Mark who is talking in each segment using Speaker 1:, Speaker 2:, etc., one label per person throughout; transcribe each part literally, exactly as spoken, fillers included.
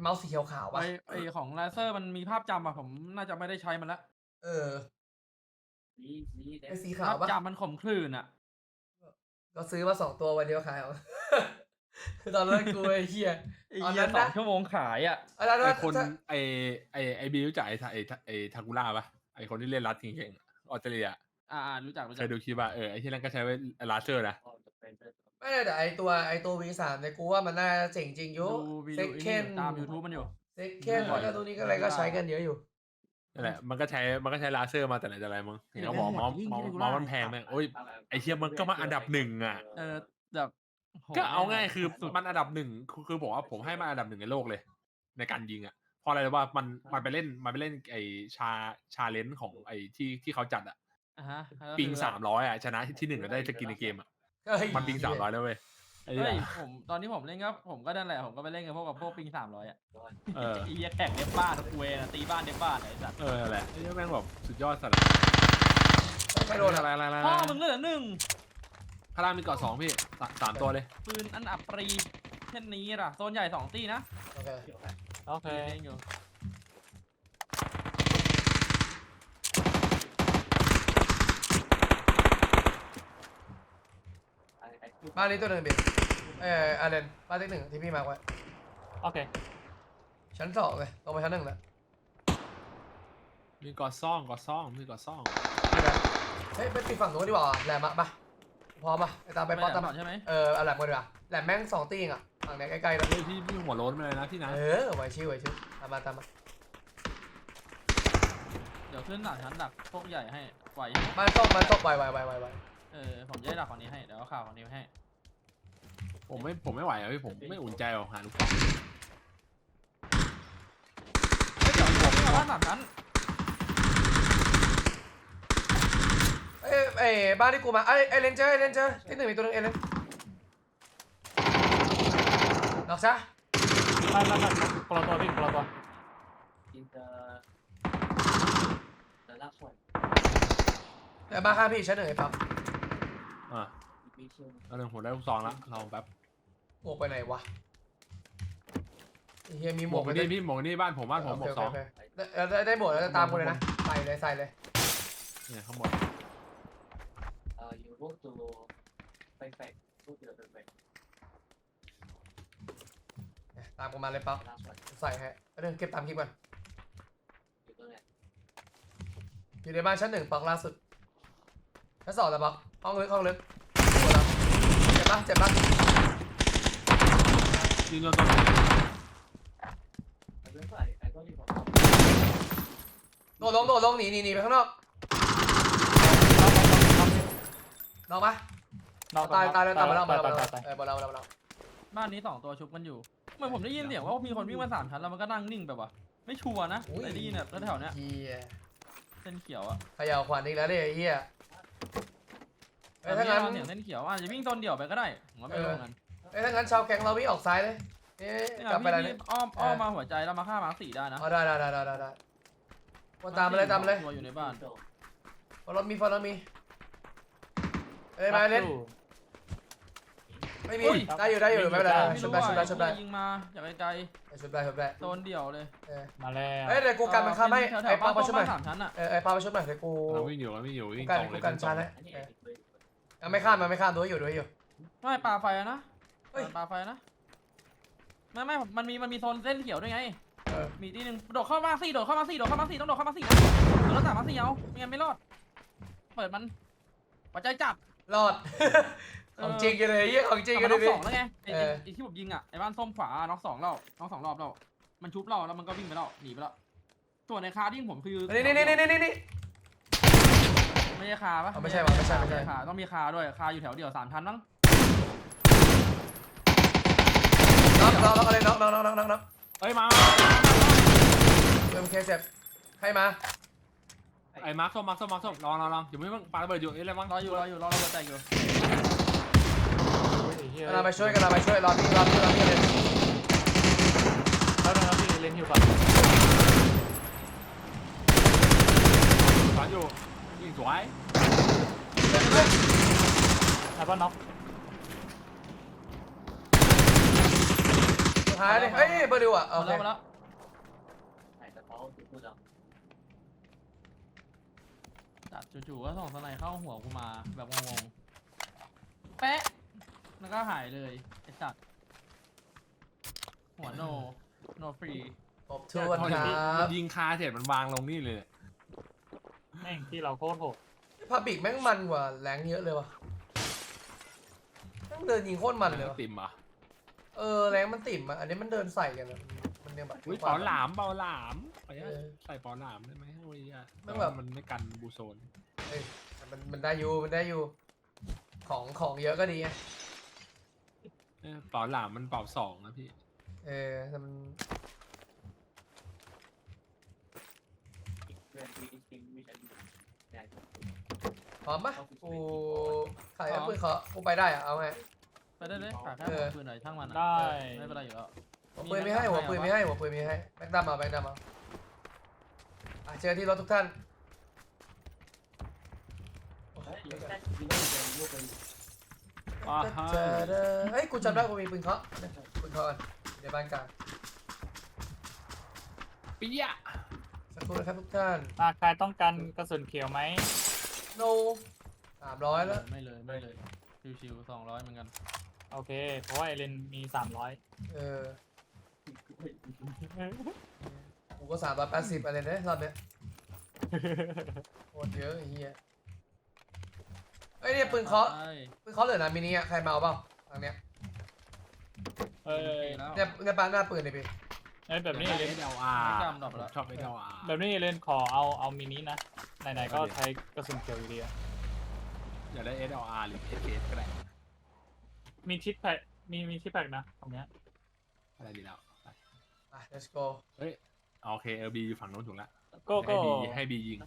Speaker 1: เมาส์สีเขียวขาว
Speaker 2: ไอ
Speaker 1: ปะ
Speaker 2: ไอของไลเซอร์มันมีภาพจำอะผมน่าจะไม่ได้ใช้มันละ
Speaker 1: เออ ไอ้สีขา
Speaker 2: ภาว พ
Speaker 1: ปะ
Speaker 2: จำมันขมขื่นอะ
Speaker 1: ก็ซื้อมาสองตัววันเดียวขายเอา ตอนนั้นกูไอ้เหี้ย
Speaker 2: ไอ้
Speaker 1: ตอน
Speaker 2: เหี้ย
Speaker 1: นั้น
Speaker 2: สอ
Speaker 1: นะ
Speaker 2: งชั่วโมงขายอะ
Speaker 1: อันนั้น
Speaker 3: ไอ
Speaker 1: นะ
Speaker 3: คน
Speaker 1: ถ้า
Speaker 3: ไอไอไอบีรู้จักไอทาไอทาไอทากุล่าปะไอคนที่เล่นรัดเก่งๆอะออสเตรเลีย
Speaker 2: อ่าๆรู้จักรู้
Speaker 3: เค
Speaker 2: จัก
Speaker 3: ยดูคลิปป่ะเออไอที่นั่นก็ใช้ไว้ลาเซอร์นะ
Speaker 1: ไม่ได้แต่ไอตัวไอตัว วี สาม เนี่ยกูว่ามันน่าจะเจ๋งจริงอยู่
Speaker 2: ดูวิ
Speaker 1: เซ
Speaker 2: ดี
Speaker 1: ค
Speaker 2: โอ
Speaker 1: เคน
Speaker 2: ตาม YouTube มันอยู่
Speaker 1: เซคเคนแล้วก็ตัวนี้ก็อะไรก็ใช้กันเยอะอยู่
Speaker 3: นั่นแหละมันก็ใช้มันก็ใช้ลาเซอร์มาแต่ไหนแต่ไรมั้งเห็นเขาบอกเมาส์เมาส์เมาส์มันแพงแม่งโอ้ยไอเชียมันก็มาอันดับหนึ่งอ่ะ
Speaker 2: เออแบบโห
Speaker 3: ก็เอาง่ายคือ
Speaker 2: สุด
Speaker 3: มันอันดับหนึ่งคือคือผมว่าผมให้มาอันดับหนึ่งในโลกเลย ในการยิงอ่ะเพราะอะไรรู้ป่ะมันมันไปเล่นมันไปเล่นไอชาชาเลนจ์ของไอที่ที่เขาจัดอ่ะ
Speaker 2: อ่ะฮะก็
Speaker 3: ปิง
Speaker 2: คือ
Speaker 3: สามร้อยอ่ะชนะที่หนึ่งก็ได้สกินในเกมอ่ะ
Speaker 1: เฮ้ย
Speaker 3: มันปิงสามร้อยแล้วเว้ยไอ้
Speaker 2: เฮ้
Speaker 3: เหี้
Speaker 2: ย
Speaker 3: ย
Speaker 2: ผมตอนนี้ผมเล่นก็ผมก็นั่นแหละผมก็ไปเล่นกับพวกกับพวกปิงสามร้อยอะ
Speaker 3: เออ
Speaker 2: ไอ้เหี้ยแข่งเด็บบ้านกูเองอะตีบ้านเด็บบ้านไอ้สัตว์
Speaker 3: เออนั่นแหละไอ้เหี้ยแม่งแบบสุดยอดสัตว์
Speaker 1: ไม่โดน
Speaker 3: อะ
Speaker 1: อะไร ไร
Speaker 3: อะไร
Speaker 2: พ่อมึงเหลือหนึ่ง
Speaker 3: พารามีเกาะสองพี่สาสามตัวเลย
Speaker 2: ปืนอันอับปรีเช่นนี้ล่ะโซนใหญ่สองตีนะ
Speaker 1: โอเค
Speaker 4: โอเค
Speaker 2: เล่นอยู่
Speaker 1: บ้านนี้ตัวหนึ่งเบียดเอออาเรนบ้านที่หนึ่งที่พี่มาร์คไว้
Speaker 4: โอเค
Speaker 1: ชั้นสองเลยลงไปชั้นหนึ่งแล้ว
Speaker 3: มีเกาะซ่องเกาะซ่องมีเกาะซ่อง
Speaker 1: เฮ้ยไปปิดฝั่งนู้นดีกว่าแหลมอะปะพร้อมปะไปตามไป
Speaker 2: ไป
Speaker 1: ป๊อป
Speaker 2: แหล
Speaker 1: ตาม
Speaker 2: มก่อนใช่ไหม
Speaker 1: เออเอาแหลมกันดีกว่าแหลมแม่งสองตีเองอะฝั่งเนี้ยใกล้ๆแล้ว
Speaker 3: เฮ้ยพี่พี่หัวโล้นมาเลยนะพี่นะ
Speaker 1: เออไหวชิวไหวชิวตามมาตามมา
Speaker 2: เดี๋ยวขึ้นหลังชั้นดักพวกใหญ่ให้ไหว
Speaker 1: มันตกมันตกไวไวไวไวไว
Speaker 2: เออผมจะได้ดักฝั่งนี้ให้เดี๋ยวเอาข่าวฝั่งนี้ให้
Speaker 3: ผมไม่ผมไม่ไหวอะพี่ผมไม่อุ่นใจหรอกหาลูกกอล์ฟ
Speaker 2: เฮ้ยเดี๋ยวผมไม่เอาบ้านสามชั้น
Speaker 1: เอ้ยเอ้ยบ้านที่กูมาเอ้ยเอเลนเจอเอเลนเจอที่หนึ่งมีตัวหนึงเอเลนดอกซะ
Speaker 4: ไม่ไม่ไม่คนละตัวพี่คนละตัว
Speaker 1: เดี๋ยวมาข้างพี่ชั้นหนึ่งไอ้ปั๊บ
Speaker 3: อ่ะเอาหนึ่งผมได้ลูกซองละลองแป๊บ
Speaker 1: หมวกไปไหนวะไอ้เฮียมีห
Speaker 3: ห
Speaker 1: ม
Speaker 3: ม
Speaker 1: ว
Speaker 3: ว
Speaker 1: ก
Speaker 3: กนี่พี่หมวกนี่บ้านผมบ้านผมหมวกสอง
Speaker 1: โเคโเคได้ได้ได้หมวกแล้วจะตามกูเลยนะใส่เลยใส่เลย
Speaker 3: เนี่ยข้างบน
Speaker 1: เนี่ยตามกูมาเลยปั๊บใส่ให้แล้วเดินเก็บตามคลิปก่อนอยู่ในบ้านชั้นหนึ่งปักล่าสุดชั้นสองแล้วปักห้องลึกห้องลึกหมดแล้วเจ็บปะเจ็บปะ
Speaker 3: ยิงโดนตัว
Speaker 1: โดดลงโดดลงหนีหนีหนีไปข้างนอกนอกปะ
Speaker 4: นอก
Speaker 1: ตายตายแล้วตายมาแล้วมา
Speaker 4: ตาย
Speaker 1: แล้ว
Speaker 4: ตายตาย
Speaker 1: เออมาแล้วมาแล้วมาแล้ว
Speaker 2: บ้านนี้สองตัวชุบกันอยู่เหมื่อนผมได้ยินเสียงว่ามีคนวิ่งมาสามชั้นแล้วมันก็นั่งนิ่งแบบว่าไม่ชัวร์นะแต่ได้ยินแบบแถวๆเนี้ย
Speaker 1: เฮีย
Speaker 2: เส้นเขียวอะ
Speaker 1: เขย่าขวัญอีกแล้วเนี่ยไอ้เฮียเอ้ย
Speaker 2: แต่
Speaker 1: ถ้า
Speaker 2: ไม่
Speaker 1: งั้น
Speaker 2: ได้ยินเสียงเส้นเขียวอาจจะวิ่งตนเดี่ยวไปก็ได้ผมว่าไม่รู้เหมือนกัน
Speaker 1: เอ้ยถ้างั้นชาวแก๊งเราวิ่งออกซ้ายเลยเอ๊ะ
Speaker 2: เนี่ย
Speaker 1: กลับไปอะไร
Speaker 2: พี่
Speaker 1: เนี่ย
Speaker 2: อ้อมอ้อมมาหัวใจแล้วมาฆ่ามาร์คสี่ได้นะ
Speaker 1: อ๋อได้ได้ได้ได้ได้ได้วนตามมาเลยตามมาเลย
Speaker 2: ตัวอยู่ในบ้าน
Speaker 1: ฟอลล์มีฟอลล์มีเอ้ยมาเล่นไม่มีได้อยู่ได้อยู่ไม่เป็นไร
Speaker 2: ไม่
Speaker 1: ชุบ
Speaker 2: รู้
Speaker 1: ได้
Speaker 2: ว่า
Speaker 1: ชุบได้ชุบได้
Speaker 2: ยิงมาจากไกล
Speaker 1: ชุบได้ชุบได้
Speaker 2: ๆโซนเดี่ยวเลย
Speaker 1: เออ
Speaker 4: มาแล้ว
Speaker 1: เอ้ยเดี๋ยวกูกันมันข้ามให้
Speaker 2: แถวๆ
Speaker 1: ไอ้ปา
Speaker 2: บ้าน
Speaker 1: มาชุบหน่อย
Speaker 2: สามชั้นอะ
Speaker 1: เออไอ้ปามาชุบหน่อยเดี๋ยวกู
Speaker 3: เราวิ่งอยู่เราวิ่งอยู่วิ่ง
Speaker 1: กัน
Speaker 3: ตรงเล
Speaker 1: กู
Speaker 3: ย
Speaker 1: กันชาร์จให้ยังไม่ข้ามมันไม่ข้ามดูให้อยู่ดูให้อยู่
Speaker 2: ไม่ปลาไฟอะนะ
Speaker 1: เฮ้ย
Speaker 2: ปลาไฟนะไม่ไม่มันมีมันมีโซนเส้นเขียวด้วยไง
Speaker 1: เออ
Speaker 2: มีที่หนึ่งโดดเข้ามาสี่โดดเข้ามาสี่โดดเข้ามาสี่ต้องโดดเข้ามาสี่นะโดดแล้วสามมาสี่เอาไม่งั้นไม่รอดเปิดมันหัวใจจับ
Speaker 1: รอด ของจริงกันเลยเยี่ยของจริงกัน
Speaker 2: น็
Speaker 1: เล
Speaker 2: อก
Speaker 1: ย
Speaker 2: สองแล้วไงไอ้
Speaker 1: เออ
Speaker 2: ไอ้ที่ผมยิงอ่ะไอ้บ้านส้มขวาน็อกสองเราน็อกสองรอบเรามันชุบเราแล้วมันก็วิ่งไปแล้วหนีไปแล้วส่วนในคาที่ผมคือ
Speaker 1: นี่นี่นี่นี่นี่นี่
Speaker 2: ไม่ใช่คาปะ
Speaker 1: อ๋อไม่ใช่วะไม่ใช่ไม่ใช่
Speaker 2: คาต้องมีคาด้วยคาอยู่แถวเดียวสามชั้นมั้ง
Speaker 1: น็อกน็อกน็อกอะไรน็อกน็อกน็อกน็อกน็อกน็อก
Speaker 3: เอ้ยมา
Speaker 1: เอ็มเคเจ็บใครมา
Speaker 3: ไอ้มาร์คส้มมาร์คส้มมาร์คส้มลองลองลองอยู่ไม่เพิ่งปาระเบิดอยู่นี่อะไรบ้าง
Speaker 2: รออยู่รออยู่รอระเบิดแตกอยู่
Speaker 4: ไอ้เหี้ย
Speaker 1: กำลังไปช่วยกำลังไปช่วยรอพี่รอพี่รอพี่เลย
Speaker 4: แล้วนะครับพี่เล่นฮิวก่อน
Speaker 3: สอนอยู่ยิงสวย
Speaker 4: แล้วก็น็อก
Speaker 1: สุดท้ท้ายเลยเฮ้ยเบอร์ดิวอ่ะ
Speaker 2: ห
Speaker 1: โอ
Speaker 2: มด
Speaker 1: เค
Speaker 2: แล้วหมดแล้วจัดจู่ๆก็ส่งสไนเข้าหัวกูมาแบบงงๆแปะแล้วก็หายเลยไอ้สัตว์หัวโนโนฟรี
Speaker 1: ขอบทวนครั
Speaker 3: มั
Speaker 1: บ
Speaker 3: นยิงคาเสร็จมันวางลงนี่เลย
Speaker 4: แม่งที่เราโคตรโหด
Speaker 1: พาบิกแม่งมันกว่าแรงเยอะเลยว่ะแม่งเดินยิงโคตรมันเลยว่ะ
Speaker 3: ติ่มอ่ะ
Speaker 1: เออแรงมันติ่มอ่ะอันนี้มันเดินใส่กันอะมันยังแบบ
Speaker 3: อุ้ยเปาหลามเปาหลามขออนุญาตใส่เปาหลามได้ไหมโอ้ยอ่ะ
Speaker 1: แม่งแบบ
Speaker 3: มันไม่กันบูโซน
Speaker 1: เอ้ยมันมันได้อยู่มันได้อยู่ ของของเยอะก็ดีไง
Speaker 3: เออเปาหลามมันเปาสองนะพี่
Speaker 1: เออแต่มันพร้อมปะกูขายปืนเขากูไปได้อะเอาไง
Speaker 2: ไปได้เลยฝากแค่
Speaker 1: เออ
Speaker 2: ปืนหน่อยช่างมันอะ
Speaker 4: ได้
Speaker 2: ไม่เป็นไรอยู่แล้ว
Speaker 1: หัวปืนไม่ให้หัวปืนไม่ให้หัวปืนไม่ให้แบงค์ดำเอาแบงค์ดำเอาอ่ะเจอที่รถทุกท่านโอ้ย
Speaker 3: อ่าฮะ
Speaker 1: เจอเด้อเฮ้ยกูจำได้กูมีปืนเคาะปืนเคาะกันในบ้านกลาง
Speaker 3: ปียะ
Speaker 1: สักครู่นะครับทุกท่าน
Speaker 4: มาใครต้องการกระสุนเขียวไหม
Speaker 1: โนสามร้อยแล้ว
Speaker 2: ไม่เลยไม่เลยชิวๆสองร้อยเหมือนกัน
Speaker 4: โอเค เพราะว่าเอเลนมีสามร้อย
Speaker 1: เออกูก็สามร้อยแปดสิบอะไรเนี่ยรอบเนี้ยโคตรเยอะไอ้เหี้ยเอ้ยเนี่ยปืนเคาะ
Speaker 2: ใช่
Speaker 1: ปืนเคาะเหลือนะมินิอ่ะใครมาเอาเปล่าทางเนี้ย
Speaker 4: เออ
Speaker 2: แล้ว
Speaker 1: เนี่ยเนี่ยปาหน้าปืนเลยพี่
Speaker 4: เอ้ยแบบนี้เอเลน
Speaker 3: เอสเอลอาร์
Speaker 2: ไม่จำดอกไปแล้ว
Speaker 3: ชอบเอสเอลอาร์
Speaker 4: แบบนี้เอเลนขอเอาเอามินินะไหนๆก็ใช้กระสุนเขียวอยู่ดีอะ
Speaker 3: อยากได้เอสเอลอาร์หรือเอสเคก็ได้
Speaker 4: มีทิศแพ็กมีมีทิศแพ็กนะตรงเนี้ย
Speaker 3: อะไรดีแล้ว
Speaker 1: อ่ะ let's go
Speaker 3: เฮ้ยโอเคเออบีอยู่ฝั่งโน้นถูกแล้ว
Speaker 4: ก็
Speaker 3: ให้
Speaker 4: ก็
Speaker 3: บีให้บียิง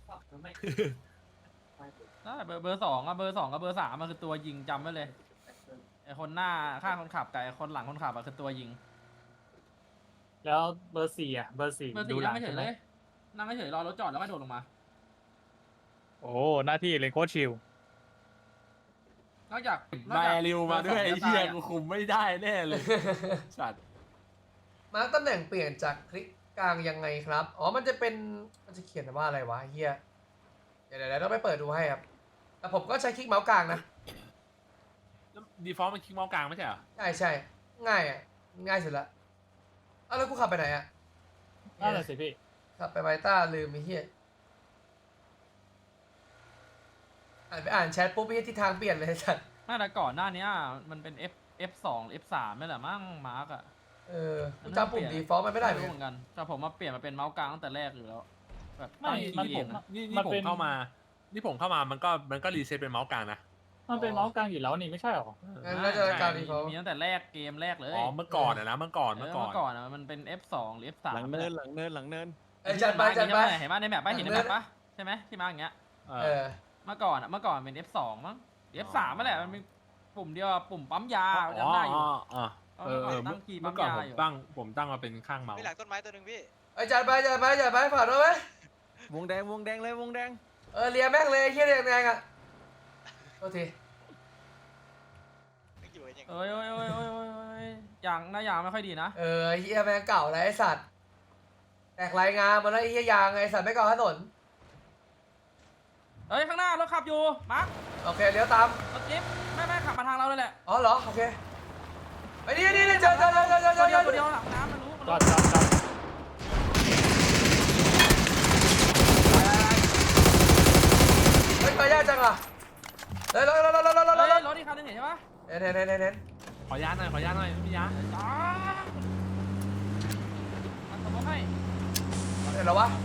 Speaker 2: ได้เบอร์เบอร์สองอะเบอร์สองกับเบอร์สามมันคือตัวยิงจำไว้เลยไอคนหน้าข้างคนขับกับไอคนหลังคนขับอะคือตัวยิง
Speaker 4: แล้วเบอร์สี่อ่ะเบอร์สี่
Speaker 2: เบอร์
Speaker 4: ดู
Speaker 2: สี่
Speaker 4: หลั
Speaker 2: นั่ง
Speaker 4: ง
Speaker 2: ไม่เฉ
Speaker 4: ใช่
Speaker 2: ย
Speaker 4: ไหม
Speaker 2: เลยนั่งไม่เฉยรอรถจอดแล้วก็โดดลงมา
Speaker 4: โอ้หน้าที่เอเลนโคตรชิล
Speaker 2: นอกจากนอก
Speaker 3: มา
Speaker 2: จาก
Speaker 3: เร็วมาด้วยไอ้
Speaker 2: บอร์สง
Speaker 3: เหี้ย
Speaker 2: จะตา
Speaker 3: กู
Speaker 2: อะ
Speaker 3: คุมไม่ได้แน่เลยสัตว์
Speaker 1: มาร์คตำแหน่งเปลี่ยนจากคลิกกลางยังไงครับ อ๋อ มันจะเป็น มันจะเขียนว่าอะไรวะเฮียเดี๋ยวเดี๋ยวเดี๋ยวต้องไปเปิดดูให้ครับ แต่ผมก็ใช้คลิกเมาส์กลางนะ
Speaker 3: ดีฟอลต์มันคลิกเมาส์กลางไม่ใช่เหรอ
Speaker 1: ใช่ใช่ ง่ายอ่ะ ง่ายสุดละอ้าวแล้วกูขับไปไหนอ่ะ
Speaker 4: นั่นแหละสิพี่
Speaker 1: ขับไปไวต้าลืมไอ้เฮียอ่านไปอ่านแชทปุ๊บไอ้เหี้ยทิศทางเปลี่ยนเลยสัตว์
Speaker 2: ไม่แต่ก่อนหน้านี้มันเป็น F F สอง F สามไม่แหละมั้งมาร์กอะ
Speaker 1: เออกูจำปุ่มดีฟอลต์มันไม่ได้เหมือน
Speaker 2: รู้
Speaker 1: กั
Speaker 2: เห
Speaker 1: น
Speaker 2: มือนกันแต่ผมมาเปลี่ยนมาเป็นเมาส์กลางตั้งแต่แรกอยู่แล้วแบบ
Speaker 4: ไม่
Speaker 2: ตั้ง
Speaker 3: นี่
Speaker 2: คีย์
Speaker 3: ผ
Speaker 2: เอ
Speaker 3: ม
Speaker 2: งอะ
Speaker 3: นี่นี่
Speaker 4: มัน
Speaker 3: ผ
Speaker 4: เป็
Speaker 3: ม
Speaker 4: น
Speaker 3: เข้ามา นี่ผมเข้ามามันก็มันก็รีเซ็ตเป็นเมาส์กลางนะ
Speaker 4: มันเป็นเมาส์กลางอยู่แล้วนี่ไม่ใช่หรอ
Speaker 1: งั้นน่าจะการดีฟอลต์
Speaker 2: มีตั้งแต่แรกเกมแรกเลย
Speaker 3: อ๋อเมื่อก่อนอะนะเมื่อก่อน
Speaker 2: เอ
Speaker 3: เมื่
Speaker 2: อ
Speaker 3: อก่อน
Speaker 2: เมื่อก่อนอะมันเป็น F สองหรือ F สาม
Speaker 5: หลังเนินหลังเนินหลังเนิน
Speaker 1: เอ้ยจัดไปจัดไป
Speaker 2: เห็นไหมในแมปป่ะเห็นในแมปป่ะใช่ไหมที่มาอย่างเงี้ย
Speaker 3: เอ
Speaker 1: เอ
Speaker 3: อ
Speaker 1: อ
Speaker 2: เมื่อก่อนอะเมื่อก่อนเป็น F สองมั้ง F สามนั่นแหละมันมีปุ่มเดียวอะปุ่มปั๊มยา
Speaker 3: อ๋อ
Speaker 2: จำได้อยู่
Speaker 3: อ๋ออ๋อเออเออ
Speaker 2: ตั้
Speaker 3: เมื่อง
Speaker 2: คีย์
Speaker 3: เมื่อก่อน
Speaker 2: ปั๊
Speaker 3: ผม
Speaker 2: มยาอยู่
Speaker 3: ตั้งผมตั้งมาเป็นข้างเมาส์
Speaker 6: มีหลังต้นไม้ตัวหนึ่งพี่
Speaker 1: เอ้ยจัดไปจัดไปจัดไปฝากด้วยไหม
Speaker 5: วงแดงวงแดงเลยวงแดง
Speaker 1: เออเลียแม่งเลยไอ้เฮียแดงแดงๆอ่ะโทษที
Speaker 6: ไม่อยู่ยัง
Speaker 2: เอ้ยเอ้ยเอ้ยเอ้ยเอ้ยเอ้ยยางหน้ายางไม่ค่อยดีนะ
Speaker 1: เออไอ้เฮียแม่งเก่าแล้วไอ้สัตว์แตกรายงานมาแล้วไอ้เฮียยางไอ้สัตว์ไม่ก่อถนน
Speaker 2: เอ้ยข้างหน้ารถขับอยู่มาร์ค
Speaker 1: โอเคเลี้ยวตาม
Speaker 2: รถจิ๊บไม่ไม่ขับมาทางเราเลยแหละ
Speaker 1: อ๋อเหรอโอเคไอ้นี่นี่นี่เจอเจอเจอเจอเจอเจ
Speaker 2: ตัว
Speaker 1: อ
Speaker 2: เดียว
Speaker 1: เจ
Speaker 2: ตัว
Speaker 1: อ
Speaker 2: เดียวหลังน้ำมันรู้มัน
Speaker 4: จ
Speaker 2: รู้
Speaker 4: อดจอดจอด
Speaker 1: เฮ้ยตายยากจังอ่ะเฮ้ยรถรถรถรถรถรถร
Speaker 2: เฮ้ย
Speaker 1: ถ
Speaker 2: รถอีกคันหนึงเห็นใช่ปะ
Speaker 1: เน้นเน้นเน้นเน้น
Speaker 3: ขออนุญาตหน่อยขออนุญาตหน่อยพี่ยะ
Speaker 2: จ้ามันสมมติให้
Speaker 1: เห็นแล้ววะ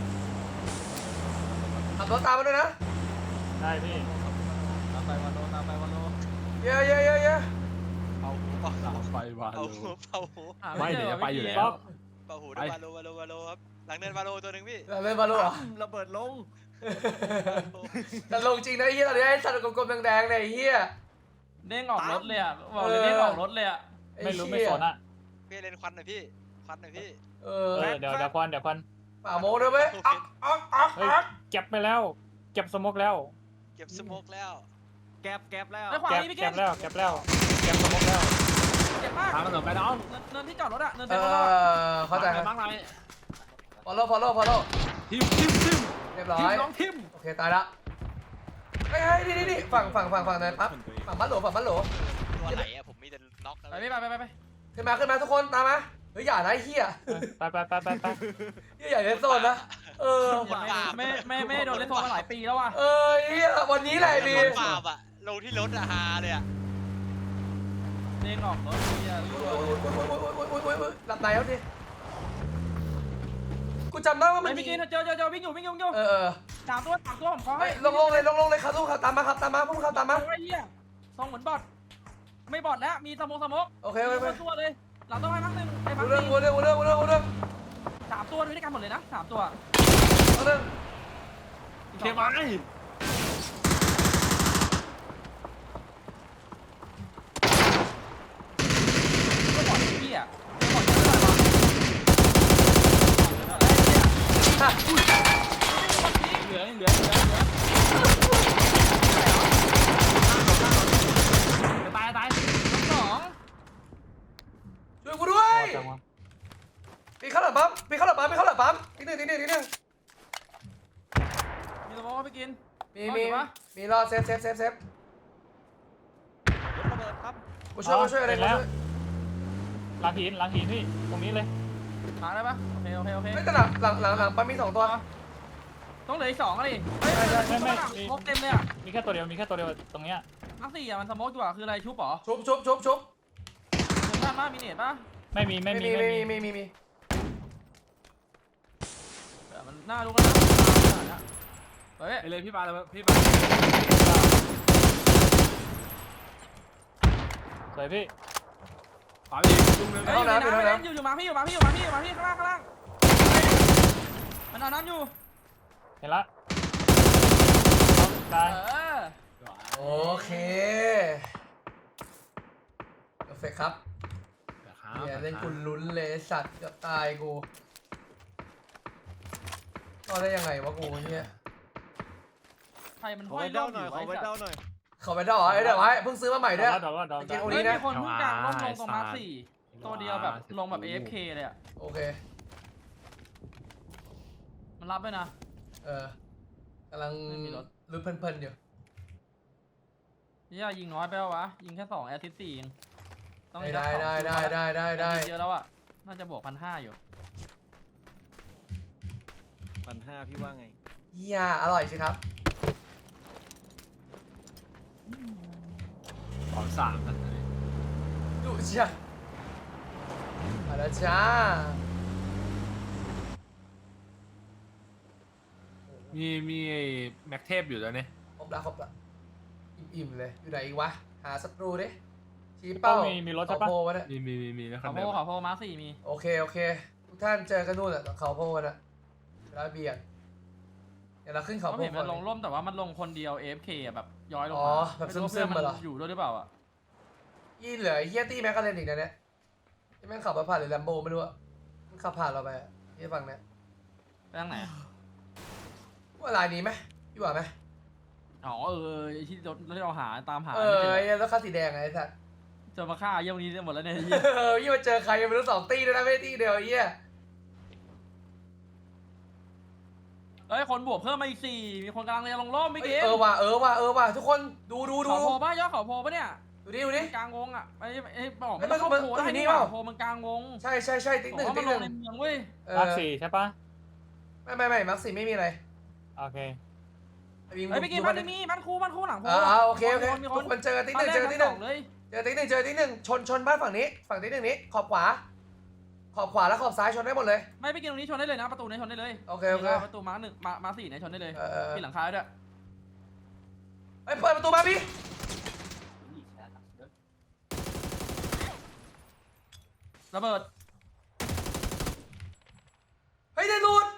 Speaker 1: ขับรถตามมาด้วยนะ
Speaker 4: ได้พี่
Speaker 2: ตามไปวันโลตามไปวันโล
Speaker 1: เยอะเยอะเยอะเยอะ
Speaker 6: เป่าหูเป่าหู
Speaker 3: ไปวา
Speaker 6: เป่า
Speaker 3: โล
Speaker 6: หูเป่าหู
Speaker 2: หา
Speaker 3: ไม่
Speaker 2: จอ
Speaker 3: เดี๋ยวจะไปอยู่แล้ว
Speaker 2: พี่
Speaker 6: เป่าหู
Speaker 3: ไป
Speaker 6: วาโลวาโลวาโลครับ หลังเนินวาโลตัวหนึ่งพี่
Speaker 1: เล่นมาลูกเหรอ
Speaker 5: ระเบิดลง
Speaker 1: แต่ลงจริงนะไอ้เฮียตอนนี้ไอ้สัตว์กลมๆแดงๆเนี่ยไอ้เฮีย
Speaker 2: เด้งออกรถเลยอ่ะบอกเลยเด้งออกรถเลยอ่ะ
Speaker 4: ไม่รู้ไม่สนอ่ะ
Speaker 6: พี่เล่นควันหน่อยพี่ ควันหน่อยพี่
Speaker 1: เอ
Speaker 4: เอ
Speaker 1: อ
Speaker 4: อเดี๋ยวเดี๋ยวควันเดี๋ยวควัน
Speaker 1: ป่าโมงด้วยไหมอักอักอัก
Speaker 4: เฮ้ย
Speaker 1: อัก
Speaker 4: เก็บไปแล้ว เก็บสโมกแล้ว
Speaker 6: เก็บสโมกแล้ว
Speaker 5: แกบแกบแล้ว
Speaker 2: ไอ้ขวา
Speaker 4: เก็บ
Speaker 2: นี่พี่
Speaker 4: เก็
Speaker 2: เก้
Speaker 4: บแล้วเก็บแล้วเก็บสโมกแล้ว
Speaker 2: เจ็บมาก
Speaker 3: ทางถนนไปน้อง
Speaker 2: เนินเนินที่จอดรถอะเนิน
Speaker 1: เอ
Speaker 2: เต็มรถเราอะ
Speaker 1: อเข้าใจครับ
Speaker 3: บ้างไร
Speaker 1: follow follow follow
Speaker 3: ทิมทิมทิม
Speaker 1: เรียบร้อ
Speaker 3: ทิม
Speaker 1: ย
Speaker 3: น้องทิม
Speaker 1: โอเคตายละเฮ้ยเฮ้ยนี่นี่นี่ฝั่งฝั่งฝั่งฝั่งไหนปั๊บฝั่งบ้านโหลฝั่งบ้านโหล
Speaker 6: ตัวไหนอะผมมีแต่น็อกนะ
Speaker 2: ไปไปไปไปไป
Speaker 1: ขึ้นมาขึ้นมาทุกคนตามมาเฮ้ยอย่านะไอ้เฮีย
Speaker 4: ไปไปไปไปไป
Speaker 1: เฮียอย่าเล่นโซนนะเออ
Speaker 2: ไม่ไม่ไม่ไม่โดนเล่นโทรมาหลายปีแล้วว่ะ
Speaker 1: เออเฮียวันนี้แหละดี
Speaker 6: รถปาบอะลงที่รถอะฮาเลยอะ
Speaker 2: เด้งออกรถเฮีย
Speaker 1: โอ้ยโอ้ยโอ้ยโอ้ยโอ้ยโอ้ยโอ้ยโอ้ยโอ้ยหลับไหนแล้วดิกูจำได้ว่ามั
Speaker 2: ไม่
Speaker 1: น
Speaker 2: พี่กินเจอเจอเจอวิ่งอยู่วิ่งอยู่วิ่งอยู่
Speaker 1: เออเออ
Speaker 2: สามตัวสามตัวผมขอ
Speaker 1: เฮ้
Speaker 2: ให้
Speaker 1: ยลงลงเลยลงลงเลยครับทุกคนตามมาครับตามมาพวกเขาตามมา
Speaker 2: ไอ้เหี้ยทรงเหมือนบอทไม่บอทแล้วมีสมองสมอง
Speaker 1: โอเคโอเคโอเค
Speaker 2: ตัวเลยหลังต้องให้พักหนึ่งไอ้พั
Speaker 1: กู
Speaker 2: ก
Speaker 1: เรื่อง
Speaker 2: สี่
Speaker 1: กูเรื่องกูเรื่องกูเรื่องกูเรื่อง
Speaker 2: สามตัวด้วยกันหมดเลยนะสามตัว
Speaker 1: กูเรื่อง
Speaker 3: เก็บไว้
Speaker 2: ก็บอทไอ้เหี้ยก็บอทเหลือเหลือเหลือเหลือตายตายสอง
Speaker 1: ช่วยกูด้วย
Speaker 4: จังวะ
Speaker 1: ปีเข้าหลังปั๊มปีเข้าหลังปั๊มปีเข้าหลังปั๊มทีหนึ่งทีหนึ่งทีหนึ่ง
Speaker 2: มีสมองไปกิน
Speaker 1: มีมีมีรอเซฟเซฟเซฟเซฟ
Speaker 5: รถระเบิดครับ
Speaker 1: กูช่วยกูช่วยอะไรกูช่วย
Speaker 4: หลังหินหลังหินพี่ตรงนี้เลย
Speaker 2: มาได้ปะโอเคโอเคโอเค
Speaker 1: ไม่แต่หลังหลังหลังหลังปั๊มมีสองตัว
Speaker 2: ต้องเหลืออีกสองอะไรเฮ้ย
Speaker 4: ไม่ไม่
Speaker 2: ครบเต็มเลยอ่ะ
Speaker 4: มีแค่ตัวเดียวมีแค่ตัวเดียวตรงเนี้ย
Speaker 2: ทั้งสี่อ่ะมันสมองอยู่อ่ะคืออะไรชุบหรอ
Speaker 1: ชุบชุบชุบชุบ
Speaker 2: เดินบ้านบ้านมีเนตป่ะ
Speaker 4: ไม่มีไม่
Speaker 1: ไม่
Speaker 4: มี
Speaker 1: มี
Speaker 4: ไม่
Speaker 1: ไม่
Speaker 4: มี
Speaker 1: มีไม่มีไม่มี
Speaker 2: แต่มันน่ารู้กันนะเฮ้ย
Speaker 3: ไปเลยพี่บาเลยพี่บา
Speaker 4: สวยพี่
Speaker 3: ขวาอีกจุ่มนึง
Speaker 2: เฮ้ยอยู่ในน้ำเล่นอยู่อยู่มาพี่อยู่มาพี่อยู่มาพี่อยู่มาพี่ข้างล่างข้างล่างมันเอาน้ำอยู่
Speaker 4: เห็นละ
Speaker 2: เอ
Speaker 4: ตาย
Speaker 2: อ
Speaker 1: โอเคเพอร์เฟกครับเนี่ยเล่นกูลุ้นเลยสัตว์เกือบตายกูก็ได้ยังไงวะกูเนี่ย
Speaker 2: ไทยมัน
Speaker 5: ข
Speaker 2: ห้
Speaker 5: อ
Speaker 2: อย
Speaker 5: ไว้
Speaker 2: ล่
Speaker 5: เด้า
Speaker 2: อง
Speaker 5: หน่อยขอไว้เด้าหน่อย
Speaker 1: เขาไปดอกไอ้เดี๋ยวไว้เพิ่งซื้อมาใหม่ด้วย
Speaker 4: ดอกดอกดอก
Speaker 1: กินโอ
Speaker 2: เฮ้
Speaker 1: นี้
Speaker 2: ย
Speaker 1: นะ
Speaker 2: มีคนเพิ่งกลางลงลงตรงมาร์คสี่ตัวเดียวแบบลงแบบ เอ เอฟ เค เลยอ่ะ
Speaker 1: โอเค
Speaker 2: มันรับด้วยนะ
Speaker 1: เออกำลัง
Speaker 2: ไม่มีรถ
Speaker 1: ลุ้นเพลินๆอยู่
Speaker 2: นี่ยิงน้อยไปวะยิงแค่สองแอสซิสต์สี่เองต้อง
Speaker 1: ได้ได้ได้ได้ได้ได้
Speaker 2: เยอะแล้วอ่ะน่าจะบวกพันห้าอยู่
Speaker 5: พันห้าพี่ว่าไง
Speaker 1: เฮียอร่อยสิครับ
Speaker 3: สองสามนะ
Speaker 1: ดูจ้ามาแล้วจ้า
Speaker 3: มีมีแม็กเทพอยู่แล้วเนี่ย
Speaker 1: ครบละครบละอิ่มๆเลย อยู่ไหนอีกวะ หาศัตรูดิชี้เป้า
Speaker 4: มีมีรถ
Speaker 1: เขา
Speaker 4: ใช่ปะ
Speaker 1: โพวะเนี่ย
Speaker 3: มีมีมีมีนะครั
Speaker 2: เขา
Speaker 3: บ
Speaker 2: โพเขาโพมาร์คสี่มี
Speaker 1: โอเค โอเค ทุกท่านเจอกันนู่นแหละเขาโพกันอะแล้วเบียร์เดี๋ยวเราขึ้นเขา
Speaker 2: เขา
Speaker 1: โพ
Speaker 2: เห็น
Speaker 1: ก่
Speaker 2: มั
Speaker 1: อน
Speaker 2: นลงร่มแต่ว่ามันลงคนเดียว เอ เอฟ เค อ่ะแบบย้อยลง
Speaker 1: อ๋
Speaker 2: มา
Speaker 1: อแบบซึมๆ
Speaker 2: ไรู้
Speaker 1: เหรอ
Speaker 2: เพื่อนนอยู่ด้วยหรือเปล่าอ่ะ
Speaker 1: ยี่เหลือไอ้เฮียตี้แม็กกาเรนอีกนะเนี่ยที่แม่งขับมาผ่านหรือแลมโบไม่รู้อะมันขับผ่านเราไปอะที่ฝั่งเนี้ย
Speaker 2: ไปทางไหนอะ
Speaker 1: ว่าลายนี้ไหมพี่ว่าไหม
Speaker 2: อ๋อเออไอ้ที่รถที่เราหาตามหา
Speaker 1: เอ
Speaker 2: ไม่
Speaker 1: อ
Speaker 2: เจอ
Speaker 1: ไอ้เหี้ยแล้วคันสีแดงไงไอ้สัส
Speaker 2: เจอมาฆ่าเยี่ยมนี้หมดแล้วเนี่ย
Speaker 1: เออยี่มาเจอใครยังไม่รู้สองตีด้วยนะไม่ได้ตีเดียวไอ้เหี้ย
Speaker 2: เอ้ยคนบวกเพิ่มมาอีกสี่มีคนกำลังจะลงร่มไม่
Speaker 1: เอ้ย
Speaker 2: เกี่
Speaker 1: เออว่ะเออว่ะเออว่ะทุกคนดูดูดู
Speaker 2: เขาโพป่ะยอดเขาโพป่ะเนี่ย
Speaker 1: ดูดิดูดิ
Speaker 2: กลางวงอ่ะไอ้ไอ้บอก
Speaker 1: เอ้
Speaker 2: ไม่
Speaker 1: ย
Speaker 2: ต้อง
Speaker 1: มัน
Speaker 2: เข้าโพ
Speaker 1: มัน
Speaker 2: ได้
Speaker 1: มันอยู่นี่
Speaker 2: นี่หว่า
Speaker 1: เปล่า
Speaker 2: โพมันกลางวง
Speaker 1: ใช่ใช่ใช่ติ๊ก
Speaker 2: บ
Speaker 1: ห
Speaker 2: อ
Speaker 1: นึ่
Speaker 2: ก
Speaker 1: ง
Speaker 2: ว่า
Speaker 1: ติ๊
Speaker 2: มัน
Speaker 1: ก
Speaker 2: ล
Speaker 1: หนึ่ง
Speaker 2: งในเมืองเว้ย
Speaker 1: เออ
Speaker 4: มาร์คสี่ใช่ปะ
Speaker 1: ไม่ไม่ไม่มักสี่ไม่มีอะไร
Speaker 4: โอเค
Speaker 1: ไอ้วิ่ง
Speaker 2: เฮ้ยไปกิน
Speaker 1: ดู
Speaker 2: บ้านมีบ้านคู่บ้านคู่หลังโพ
Speaker 1: เออเอาโอเคโอเค
Speaker 2: มี
Speaker 1: ทุ
Speaker 2: ค
Speaker 1: ก
Speaker 2: น
Speaker 1: คนเจอติ๊กห
Speaker 2: บ้าน
Speaker 1: นึ่ง
Speaker 2: แร
Speaker 1: เจ
Speaker 2: ก
Speaker 1: อ
Speaker 2: ทั้
Speaker 1: ติ๊ก
Speaker 2: ง
Speaker 1: ห
Speaker 2: ส
Speaker 1: นึ่
Speaker 2: อง งเลย
Speaker 1: เจอติ๊กหนึ่งเจอติ๊กหนึ่งชนชนบ้านฝั่งนี้ฝั่งติ๊กหนึ่งนี้ขอบขวา ขอบขวาและขอบซ้ายชนได้หมดเลย
Speaker 2: ไม่ไปกินตรงนี้ชนได้เลยนะประตูนี้ชนได้เลย
Speaker 1: โอเคโอเค
Speaker 2: นี่ประตูมาร์คหนึ่งมามาร์คสี่เนี่ยชนได้เลย
Speaker 1: เออเออ
Speaker 2: ปิดหลังคาด้วย
Speaker 1: เฮ้ยเปิดประตูมาพี่
Speaker 2: ระเบิด
Speaker 1: เฮ้ยได้หลุด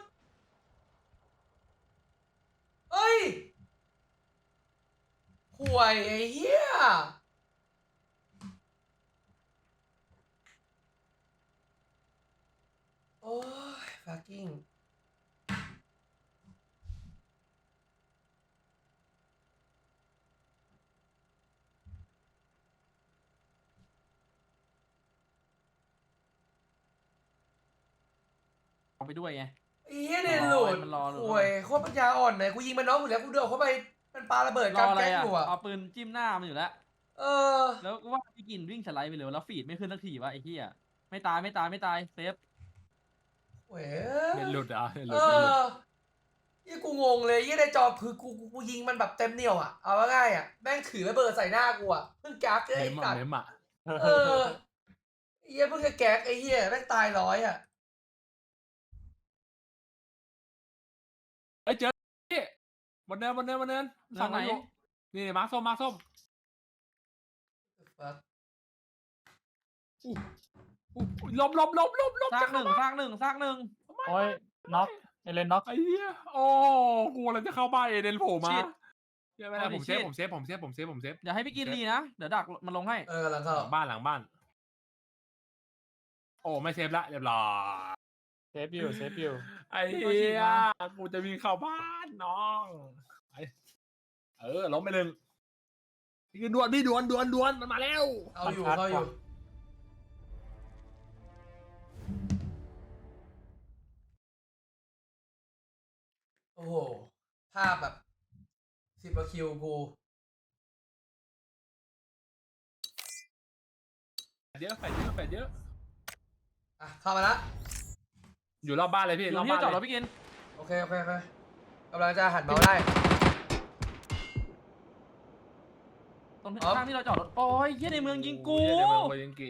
Speaker 1: เฮ้ยห่วยไอ้เหี้ยโอ้ย fucking
Speaker 2: ไปด้วยไง
Speaker 1: ไอ้เหี้ยเนี่ยหลุด
Speaker 2: มันรอหลุด
Speaker 1: โอ้ยโคตรปัญญาอ่อนเลยกูยิงมันน้องอยู่แล้วกูเดือดเข้าไปมันปาระเบิด
Speaker 2: ร
Speaker 1: กลา
Speaker 2: อง อะไร
Speaker 1: แก๊ง
Speaker 2: อ่ะ
Speaker 1: อยู่อ่ะ
Speaker 2: เอาปืนจิ้มหน้ามันอยู่แล้ว
Speaker 1: เออ
Speaker 2: แล้วก็ว่าพี่กินวิ่งสไลด์ไปเลยแล้วฟีดไม่ขึ้นสักทีวะไอ้เหี้ยไม่ตายไม่ตายไม่ตายเซฟ
Speaker 1: โอ้ย
Speaker 3: เน็ตหลุดเหรอ่ะเน็ตห
Speaker 1: เอ
Speaker 3: ลุดเน็ตหลุด
Speaker 1: อยี่กูงงเลยยี่ในจอคือกูกูกูยิงมันแบบเต็มเหนียวอ่ะเอาง่ายๆอ่ะแม่งถือระเบิดใส่หน้ากูอ่ะเพิ่งแก๊กเลย
Speaker 3: เม
Speaker 1: ไอ้
Speaker 3: ม
Speaker 1: สั
Speaker 3: อ่ะ
Speaker 1: ตว์
Speaker 3: เมมอ่ะ
Speaker 1: เออไอ้เหี้ยเพิ่งจะแก๊กไอ้เหี้ยแม่งตายร้อยอ่ะ
Speaker 3: เอ้ยเจอพี่บนเนินบนเนินบนเนิน
Speaker 2: เรื่องไหน
Speaker 3: อยู่นี่มาร์คส้มมาร์คส้มอู้อู้ลบลบลบลบลบ
Speaker 2: ซากหนึ่งซากหนึ่งซากหนึ่ง
Speaker 4: โอ้ยน็อกเอเลนน็อก
Speaker 3: ไอ้เหี้ยโอ้กูอะไรจะเข้าบ้านเอเดนโผล่มา
Speaker 2: ชิด
Speaker 3: เดี๋ยวไม่ได้
Speaker 2: โอ้ดิ
Speaker 3: ผมเซฟ
Speaker 2: ชิด
Speaker 3: ผมเซฟผมเซฟผมเซฟผมเซฟ
Speaker 2: เดี๋ยวให้พี่กินรีนะเดี๋ยวดักมันลงให้
Speaker 1: เออกำลังเข้า
Speaker 3: หลังบ้านหลังบ้าน โอ้ไม่เซฟละเรียบร้อย
Speaker 4: เซฟอยู่เซฟอยู่
Speaker 3: ไอ้เหี้ยกูจะวิ่งเข้าบ้านน้องไปเออล้มไปหนึ่งนี่ดวนพี่ดวนดวนดวนมันมาแล้ว
Speaker 1: เอาอยู่
Speaker 4: มันชัด
Speaker 1: เข้าอยู่
Speaker 4: ว่ะ
Speaker 1: โอ้โหภาพแบบสิบกว่าคิวกู
Speaker 3: เยอะแฝดเยอะแฝดเยอะ
Speaker 1: อ่ะเข้ามาละ
Speaker 3: อยู่รอบบ้านเลยพี่
Speaker 2: อยู่
Speaker 3: รอบ
Speaker 2: ที่
Speaker 3: บ้าน
Speaker 2: จอดร
Speaker 3: เล
Speaker 2: ถ
Speaker 3: ย
Speaker 2: พี่กิน
Speaker 1: โอเคโอเคโอเคกำลังจะหันเมาส์ได้
Speaker 2: ตรง
Speaker 1: อ๋อ
Speaker 2: ข้างที่เราจอดรถโอ้ยเหี้ยในเมืองยิงกู
Speaker 3: เหี้ยในเมืองกูยิงกี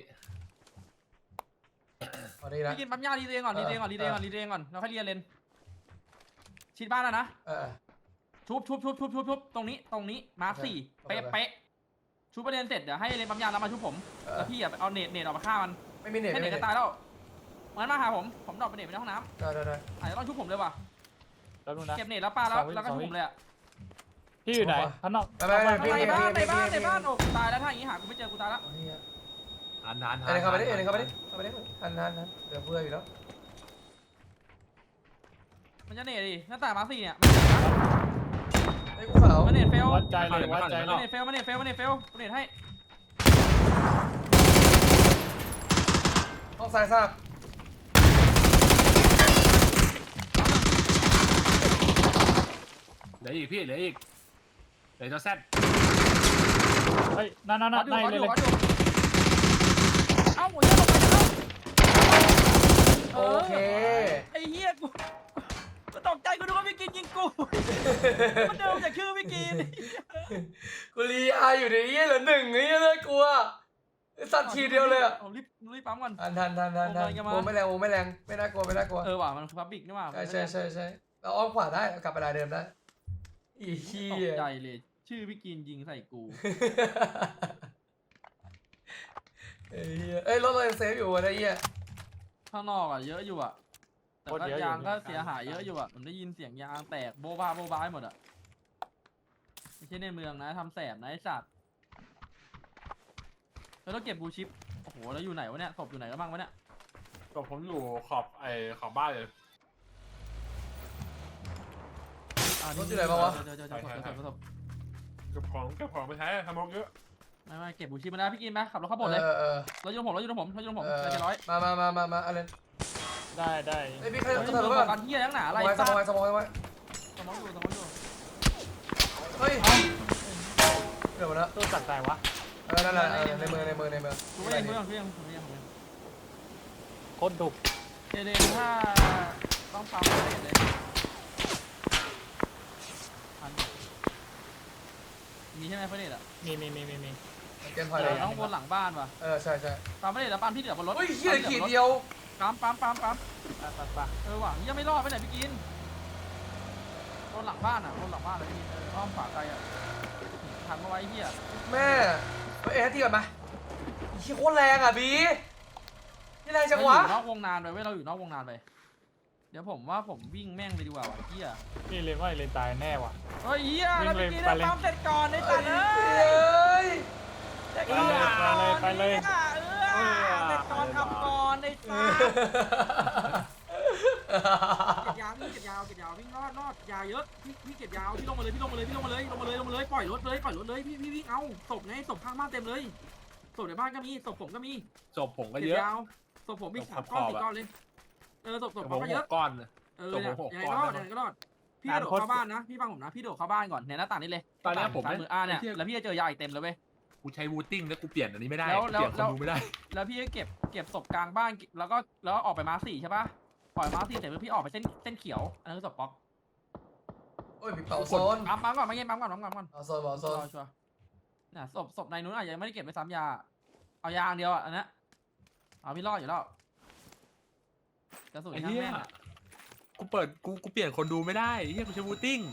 Speaker 1: พอดีนะ
Speaker 2: พี่กินปั๊มยารีเดย์ก่อน
Speaker 1: เออ
Speaker 2: รีเดย์ก่อนรีเดย์ก่อน
Speaker 1: เออ
Speaker 2: รีเดย์ก่อนแล้วค่อยเรียนเลนชิดบ้านแล้วนะ
Speaker 1: เออ
Speaker 2: ชุบชุบชุบชุบชุบชุบตรงนี้ตรงนี้มาร์ค
Speaker 1: โอเค
Speaker 2: สี่
Speaker 1: โอเค
Speaker 2: เป๊ะเป๊ะชุบประเด็นเสร็จเดี๋ยวให้เลนปั๊มยาแล้วมาชุบผม
Speaker 1: เออ
Speaker 2: แล้วพี่อ่ะไปเอาเน็ตเน็ตออกมาฆ่ามัน
Speaker 1: ไม่มีเน็ต
Speaker 2: ให้
Speaker 1: ไม่
Speaker 2: เน็
Speaker 1: มี
Speaker 2: ต
Speaker 1: เน็ต
Speaker 2: จะตายแล้วมันมาหาผมผมดรอปไปเน็ตไปในห้องน้
Speaker 1: ได้ได้ได้
Speaker 2: ำอาจจะต้องชุบผมเลยว่ะ
Speaker 4: แป๊บนึงนะ
Speaker 2: เก็บเน็ตแล้วปาแล้ว
Speaker 4: สองวิ
Speaker 2: แล้วก็
Speaker 4: สอง
Speaker 2: ชุบ
Speaker 4: วิ
Speaker 2: ผมเลยอ่ะ
Speaker 4: พี่อยู่ไหนข้างนอก
Speaker 1: ไปไปไป
Speaker 2: ใน
Speaker 1: พี่พี่
Speaker 2: บ้านใน
Speaker 1: พี่
Speaker 2: บ้าน
Speaker 1: พี่
Speaker 2: ในบ้านโอ้ตายแล้วถ้าอย่างงี้หากูไม่เจอกูตายแล้ว
Speaker 1: เอาเนี่ย
Speaker 3: หันหันหั
Speaker 1: เอ็นเข้าไปดิเอ็นเข้าไปดิ
Speaker 3: หั
Speaker 1: เข้าไปดิหันหันหันเหลือเพื่ออยู่แล้ว
Speaker 2: มันจะเน็ตดิหน้าต่างมาร์คสี่เนี่ย
Speaker 1: ไอ้ยกูขาว
Speaker 2: มันเน็ตเฟล
Speaker 4: วัดใจเลยวัดใจเล
Speaker 2: มัน
Speaker 4: ย
Speaker 2: เน็ตเฟลมันเน็ตเฟลมันเน็ตเฟลกูเน็ตให้
Speaker 1: ห้องซ้ายทราบ
Speaker 3: เหลืออีกพี่เหลืออีกเหลือเจ้าแซด
Speaker 4: เฮ้ยนั่นนั่น
Speaker 2: ข
Speaker 4: นั่
Speaker 2: อน อยู่
Speaker 4: ใน
Speaker 2: ขอ
Speaker 4: เล
Speaker 2: อย ยู่
Speaker 4: เลย
Speaker 2: ขออยู่เอ้าหมดแล้วลงไปแล้ว
Speaker 1: โอเค
Speaker 2: ไอ้เหี้ยกูกูตกใจกูนึกว่าพี่กินยิงกูมันเดิมจากชื่อพี่กิน
Speaker 1: กูรีอาอยู่ในนี้เหลือหนึ่งไอ้เหี้ยเลยกลัวไอ้สัตว์ทีเดียวเลยอ่ะ
Speaker 2: ผมรีบรีบปั๊มก่อน
Speaker 1: ทันทันทันทันทัน
Speaker 2: วงแรงจะมา
Speaker 1: โอ้ไม่แรงโอ้ไม่แรงไม่น่ากลัวไม่น่ากลัว
Speaker 2: เออว่ะมันคือพับบิกนี่ว่ะ
Speaker 1: ใช่ใช่ใช่ใช่เราอ้อมขวาได้เรากลับไปลายเดิมได้อีเหี้
Speaker 2: ต
Speaker 1: ย
Speaker 2: กใจเลย ชื่อพี่กินยิงใส่กู
Speaker 1: ไอ้เหี้ยเอ้ยรถเรายังเซฟอยู่วะไอ้เหี้ย
Speaker 2: ข้างนอกอ่ะเยอะอยู่อ่ะแต่
Speaker 4: โคตร
Speaker 2: ก็
Speaker 4: เยอะอยู่
Speaker 2: ยางก็เสียหายเยอะอยู่อ่ะผมได้ยินเสียงยางแตกโบ๊ะบ้าโบ๊ะบ้าหมดอ่ะไม่ใช่ในเมืองนะทำแสบนะไอ้สัตว์แล้วต้องเก็บบูชิปโอ้โหแล้วอยู่ไหนวะเนี่ยศพอยู่ไหนกันบ้างวะเนี่ย
Speaker 3: ก็ผมอยู่ขอบไอ้ขอบบ้านเลย
Speaker 2: อ่าร
Speaker 1: ถอยู่ไหนบ้างวะ
Speaker 2: เดี๋ยวเดี๋ยวเดี๋ยวเดี๋ยวศพเดี๋ยวศพ
Speaker 3: เก็บของเก็บของไปใช้ทำมกเยอะ
Speaker 2: ไม่ไม่เก็บบูชิปมาแล้วพี่กินไหมขับรถเข้าบนเลย
Speaker 1: เออเออ
Speaker 2: รถยนต์ผมรถยนต์ผมรถยนต์ผม
Speaker 1: เออ
Speaker 2: เจ็ดร้อย
Speaker 1: มามามามามาอะไร
Speaker 4: ได้ได้
Speaker 1: ไอ้ยพี่ใคร
Speaker 2: เฮ้ย
Speaker 1: จะ
Speaker 2: มึ
Speaker 1: ถาม
Speaker 2: ง
Speaker 1: ว่า
Speaker 2: กันเฮียทั้งหนาอะไร
Speaker 1: สมอยส
Speaker 2: สัต
Speaker 1: มอย
Speaker 2: ว์
Speaker 1: สมอยไว้
Speaker 2: สมองอยู่สมองอยู่
Speaker 1: เฮ้ยเดี๋ยวมาแล้ว
Speaker 4: ตู้จัดใจวะ
Speaker 1: เออนั่นแหละเออในมือในมือในมือ
Speaker 2: กูไม่ยังกูยังกูยังกูยังกูยัง
Speaker 4: โคตรดุ
Speaker 2: เจเดนถ้าต้องปั๊มเลยเลยพันมีใช่ไหมเฟรนอ่ะ
Speaker 4: มีมีมีมีมี
Speaker 1: เกมพอยเล
Speaker 2: เรา
Speaker 1: ย
Speaker 2: ต้องวนหลังบ้านว่ะ
Speaker 1: เออใช่ใช่
Speaker 2: ปั๊มไม่ได้แล้วปั๊มที่เหลือบนรถ
Speaker 1: เฮ้ยเหี้ยขีดเดียว
Speaker 2: ปั๊มปั๊มปั๊มปั๊ม
Speaker 4: ไปไปไป
Speaker 2: เออว่ะยังไม่รอดไปไหนพี่กินวนหลังบ้านอ่ะวนหลังบ้านเลยพี่กินเอออ้อมฝาไกลอ่ะทันมาไว้เฮีย
Speaker 1: แม่เฮ้ยเอ็นทีก่อนมาอีเหี้ยโคตรแรงอ่ะบีนี่แรงจังวะ
Speaker 2: เราอยู่นอกวงนานไปเว้ยเราอยู่นอกวงนานไปเดี๋ยวผมว่าผมวิ่งแม่งไปดีกว่าว่ะเฮีย
Speaker 4: พี่เลนว่าเลนตายแน่ว่ะ
Speaker 2: เฮ้ยเฮียแล้ว
Speaker 4: วิ่
Speaker 2: พี่
Speaker 4: ง
Speaker 2: กิน
Speaker 4: เลย
Speaker 2: ปั๊มเสร็จก่อนไอ้สัตว์เอ้
Speaker 1: เฮ้
Speaker 2: ย
Speaker 1: ย
Speaker 2: เสร็จ
Speaker 4: ไป
Speaker 2: ก่อน
Speaker 4: เลยไปเลยไปเลย
Speaker 2: เออเสร็จก่อนทำก่อนไอ้สัตว์เก็บยาวพี่เก็บยาวเก็บยาววิ่งรอดรอดยาเยอะพี่พี่เก็บยาวพี่ลงมาเลยพี่ลงมาเลยพี่ลงมาเลยลงมาเลยลงมาเลยปล่อยรถเลยปล่อยรถเลยพี่พี่วิ่งเอาศพไงศพข้างบ้านเต็มเลยศพในบ้านก็มีศพผมก็มี
Speaker 3: จบผมก็
Speaker 2: เก็บ
Speaker 3: เยอะ
Speaker 2: ยาวศพผมมี
Speaker 3: ศพ
Speaker 2: สาม
Speaker 3: ข
Speaker 2: ก้อน
Speaker 3: อบ
Speaker 2: สี่
Speaker 3: อะ
Speaker 2: ก้อนเลยเออศพศพ
Speaker 3: ผ
Speaker 2: เขา
Speaker 3: ม
Speaker 2: ก็
Speaker 3: ห
Speaker 2: เยอะ
Speaker 3: กก้อน
Speaker 2: เออ
Speaker 3: ศพ
Speaker 2: เนี่ย
Speaker 3: ผมหก
Speaker 2: ยังไง
Speaker 3: ก้
Speaker 2: ก็
Speaker 3: อน
Speaker 2: รอด
Speaker 3: นะ
Speaker 2: ยังไงก็รอดพี่กระโดดเข้าบ้านนะพี่ฟังผมนะพี่โดดเข้าบ้านก่อนเนี่ยหน้าต่างนี่เลย
Speaker 3: ตอนเนี้ยผม
Speaker 2: ซ้าย
Speaker 3: เนี่ย
Speaker 2: มืออ่าเนี่ย
Speaker 3: ไอ้เหี้ย
Speaker 2: แล้วพี่จะเจอยาอีกเต็มเลยเว้ย
Speaker 3: กูใช้วูติ้งแล้วกูเปลี่ยนอันนี้ไม่ได้
Speaker 2: แล้ว
Speaker 3: กูเปลี่ยน
Speaker 2: แล้ว
Speaker 3: คนดูไม่ได้
Speaker 2: แล้วพี่ก็เก็บเก็บศพกลางบ้านแล้วก็แล้วออกไปมาร์คสี่ใช่ปะปล่อยมาร์คสี่เสร็จแล้วพี่ออกไปเส้นเส้นเขียวอันนั้นคือศพป๊อก
Speaker 1: โอ้ยมีเป่าโซน
Speaker 2: ปั๊มปั๊มก่อนไม่เงี้ยปั๊มก่อนปั๊มก่อนปั๊มก่อน
Speaker 1: เป่าโซนเป่าโซน
Speaker 2: ชัวร์ๆน่ะศพศพในนู้นอาจจะยังไม่ได้เก็บไปซ้ำยาเอายาอันเดียวอ่ะอันนั้นเอาพี่รอดอยู่แล้วกระสุน
Speaker 3: ไอ้
Speaker 2: ช่าง
Speaker 3: เหี้ย
Speaker 2: แม่งอะ
Speaker 3: กูเปิดกูกูเปลี่ยนคนดูไม่ได้ไอ้เหี้ยกูใช้วูติ้ง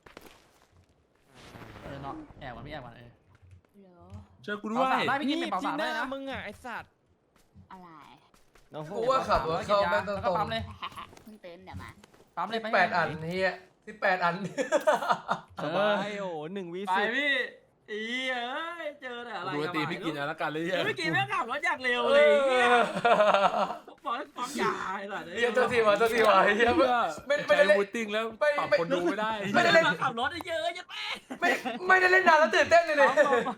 Speaker 2: เออเนาะแอบก่อนพี่แอบก่อนเออ
Speaker 7: เหรอ
Speaker 3: ช่วยกูด้วย
Speaker 2: เป่าสามได้พี่กินเป็นเป่า
Speaker 5: ที่
Speaker 2: สาม
Speaker 5: ห
Speaker 2: ได้
Speaker 5: น้า
Speaker 2: นะ
Speaker 5: มึงอ่ะไอสัตว์
Speaker 7: อะไร
Speaker 5: น้องโฟ
Speaker 1: กูว่าขับรถเข้าแม่งต
Speaker 2: แล้วก็
Speaker 1: รง
Speaker 2: ปั๊มเลย
Speaker 7: เพิ่งตื่นเดี๋ยวมา
Speaker 2: ปั๊มเลย
Speaker 1: ๆ
Speaker 2: ไป
Speaker 1: แปดอันเฮียสิบแปดอัน
Speaker 2: เอ
Speaker 5: ส
Speaker 2: อบ
Speaker 5: ายโอ้หนึ่งวิ
Speaker 2: ไป
Speaker 5: สิบ
Speaker 2: พี่อีเอ้ยเจอแต่อะไร
Speaker 3: ดูตีพี่กิน
Speaker 2: นะ
Speaker 3: เอาละกันเลยเหี้ย
Speaker 2: พี่กินแม่งขับรถอย่างเร็ว
Speaker 1: เอ
Speaker 2: เลย
Speaker 1: อ
Speaker 2: เฮียบอกให้ปั๊มยาไอ้หล่ะ
Speaker 1: เฮียเจ้าที่วะเจ้าที่วะเฮียไม่ไม่ไม่ได้
Speaker 3: ใช้
Speaker 1: เล่น
Speaker 3: วูติ้งแล้ว
Speaker 1: ไม่
Speaker 3: ปรับ
Speaker 1: ไม่
Speaker 3: คนดูไม่ได้
Speaker 1: ไม่ได้เล่น
Speaker 2: ขับรถเยอะๆยังแม่
Speaker 1: ไม่ไม่ได้เล่นนานแล้วตื่นเต้นเลยเนี่ย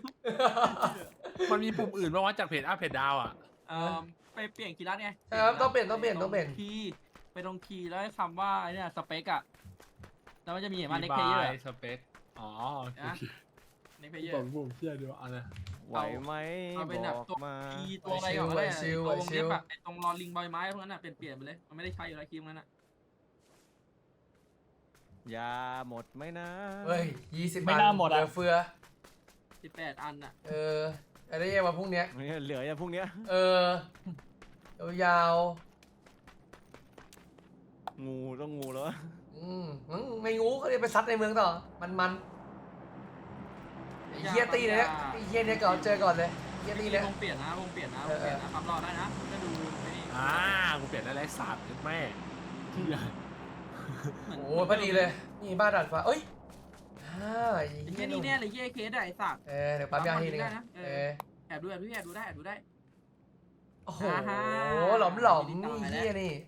Speaker 3: มันมีปุ่มอื่นบ้างวะจากเพจอัพเพจดาวอ่ะ
Speaker 2: เออไปเปลี่ยนคีย์ลัดไง
Speaker 1: ใช่ครับต้องเปลี่ยนต้องเปลี่ยนต้องเปลี่ยน
Speaker 2: คีย์ไปตรงคีย์แล้วให้คำว่าไอ้เนี่ยสเปกอะแล้วมันจะมีเห็นว่าเน็กเพเยอร์
Speaker 3: สเปคอ๋อโอเค
Speaker 2: นะ เน็กเพเยอ
Speaker 3: ผ
Speaker 2: ร์
Speaker 3: มผมเชื่อดูเอาเลย
Speaker 5: ไหวไหม
Speaker 2: เอาเป็นแบบ
Speaker 5: บอก
Speaker 2: ตัว
Speaker 5: มา
Speaker 2: คีย์ตัวอะไรก่อนก็ได้
Speaker 1: ไหวชิว
Speaker 2: ตัววง
Speaker 1: ไหวชิ
Speaker 2: เล็
Speaker 1: ว
Speaker 2: บอะไอ้ตรงรอลิงใบไม้พวกนั้นอะเปลี่ยนเปลี่ยนไปเลยมันไม่ได้ใช้อยู่แล้วคีย์พวกนั้นอะ
Speaker 5: ยาหมดไหมนะ
Speaker 1: เฮ้ยยี่สิบ
Speaker 4: ไม่
Speaker 1: อัน
Speaker 4: น่าหมด
Speaker 1: เห
Speaker 4: อะ
Speaker 1: ลือเฟือ
Speaker 2: สิบแปดอันอะ
Speaker 1: เอออะไรเงี้ยมาพรุ่งเนี้ย
Speaker 5: เนี่ยเหลืออย่างพวกเนี้ย
Speaker 1: เออยาว
Speaker 5: งูต้องงูแล้ว
Speaker 1: ๆอืมอืมไม่งูก็เลยไปซัดในเมืองต่อ มันมันไอ้เฮียตีเนี่ยไอ้เฮียเนี่ยก่อนเจอก่อนเลยเฮียตีเนี่ยว
Speaker 2: งเปลี่ยนนะวงเปลี่ยนนะวงเปลี่ยนนะปั๊มรอได้นะก็ดูไอ้นี่
Speaker 3: อ่ากูเปลี่ยนได้ไรสามแม่
Speaker 2: เหมือน
Speaker 1: โอ้พอดีเลย นี่บ้านดัดฟ้าเอ้ยอ่าไอ้
Speaker 2: ไอ้
Speaker 1: เฮี
Speaker 2: เหี้
Speaker 1: ย
Speaker 2: ย
Speaker 1: ห
Speaker 2: นี่
Speaker 1: นุ่ม
Speaker 2: แน่เลยเหี้ยเคสอะไอ้สัตว์
Speaker 1: เออเดี๋ยวปั๊มยาให้หนึง
Speaker 2: ปั๊ม
Speaker 1: อะ
Speaker 2: ได้นะเอ
Speaker 1: เอ
Speaker 2: อ
Speaker 1: อ
Speaker 2: แอบดูแอบดูแอบดูได้แอบดูได้
Speaker 1: โอ้โห
Speaker 2: อ่าฮะ
Speaker 1: หลอมหลอม
Speaker 2: นิ
Speaker 1: นี่
Speaker 2: ดหน่อย
Speaker 1: เฮีย
Speaker 2: แล้ว
Speaker 1: นี่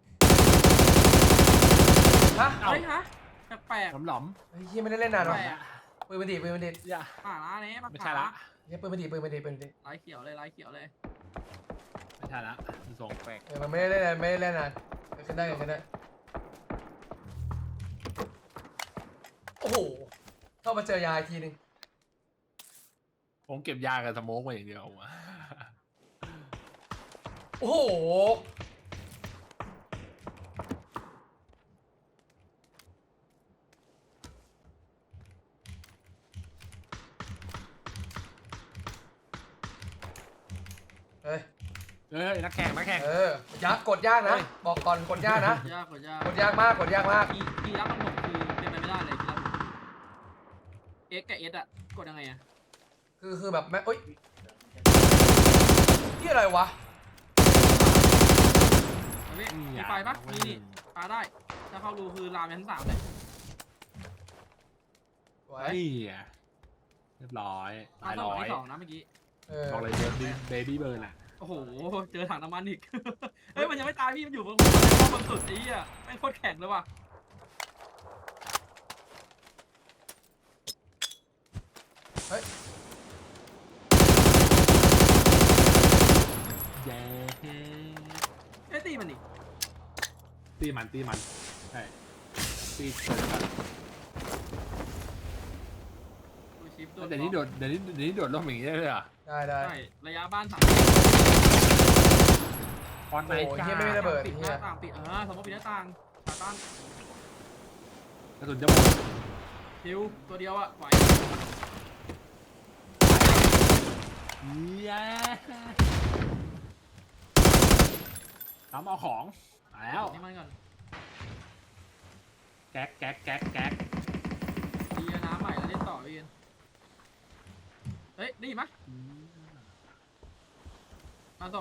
Speaker 1: ฮะ
Speaker 2: เฮ้ยฮะแปลก
Speaker 3: หลอมหลอม
Speaker 1: ไอ้เฮียไม่ได้เล่นนานหรอ
Speaker 2: แปลก
Speaker 1: ปืนมันดีดปืนมันดีด
Speaker 3: ๆอย่า
Speaker 2: ป่าละเนี่ยป่า
Speaker 3: ไม่ใช่ละ
Speaker 1: เฮียปืนมันดีดปืนมันดีดปืนมันดีด
Speaker 2: ลายเขียวเลยลายเขียวเลย
Speaker 3: ไม่ใช่ละส่งแปลก
Speaker 1: เออมันไม่ได้เล่นนานไม่ได้เล่นนานเกิดขึ้นได้เกิดขึ้นได้โอ้โหเข้ามาเจอยาอีกทีหนึง
Speaker 3: ผมเก็บยากับสโมกมาอย่างเดียวอะ
Speaker 1: โอ้โหเฮ้ย
Speaker 3: เฮ้ยนักแข่งนักแข่ง
Speaker 1: เออยากกดยากนะ บอกก่อนกดยากนะ
Speaker 2: ยากกว่ายาก
Speaker 1: กดยากมากกดยากมาก
Speaker 2: คีคีรับของผมคือเป็นไปไม่ได้เลยคีรับเอ็กกับเอสอะกดยังไงอะ
Speaker 1: คือคือแบบแม่เอ้ยนี่อะไรวะ
Speaker 2: เอาพี่มีไฟปะมีนี่ปาได้ ถ้าเข้ารูคือลามไปทั้งสามเลย
Speaker 1: ไว้
Speaker 3: เฮ้ยเรียบร้อย
Speaker 2: ปา
Speaker 3: ตาย
Speaker 2: สอง
Speaker 3: ร้อย
Speaker 2: ที่สองนะเมื่อกี้
Speaker 1: เออ
Speaker 3: บอกเลยเบิร์ดเบบี้เบิร์นอ่ะ
Speaker 2: โอ้โห เจอถังน้ำมันอีก เฮ้ย มันยังไม่ตายพี่ มันอยู่บนข้อบนสุดไอ้เหี้ยแม่งโคตรแข็งเลยว่ะ
Speaker 3: เย้
Speaker 2: เอ้ยตีมันนี่
Speaker 3: ตีมันตีมันใช่ตีเกิดกัน
Speaker 2: ดูชิปโดน
Speaker 3: เดี๋ยวนี้โดดเดี๋ยวนี้เดี๋ยวนี้โดดร่มอย่างงี้ได้เลยเหรอ่ะ
Speaker 1: ได้ได้
Speaker 2: ใช่ระยะบ้านสาม
Speaker 3: ฟอนไหน
Speaker 1: โอ้ย
Speaker 3: จ้า
Speaker 1: เฮียไม่ได้ระเบิด
Speaker 2: ปิดห
Speaker 1: เฮี
Speaker 2: น้าย ต่างปิดเออสมมติปิดหน้าต่างขาตั้ง
Speaker 3: กระสุนจะหมด
Speaker 2: คิวตัวเดียวอะไหว
Speaker 3: เย้ทำเอาของมาแล้ว
Speaker 2: นี่มันก่อน
Speaker 3: แก๊กแก๊กแก๊กแก๊ก
Speaker 2: ดีน้ำใหม่แล้วเล่นต่อพี่เอ็นเฮ้ย ได้ยินไหมมาส่ง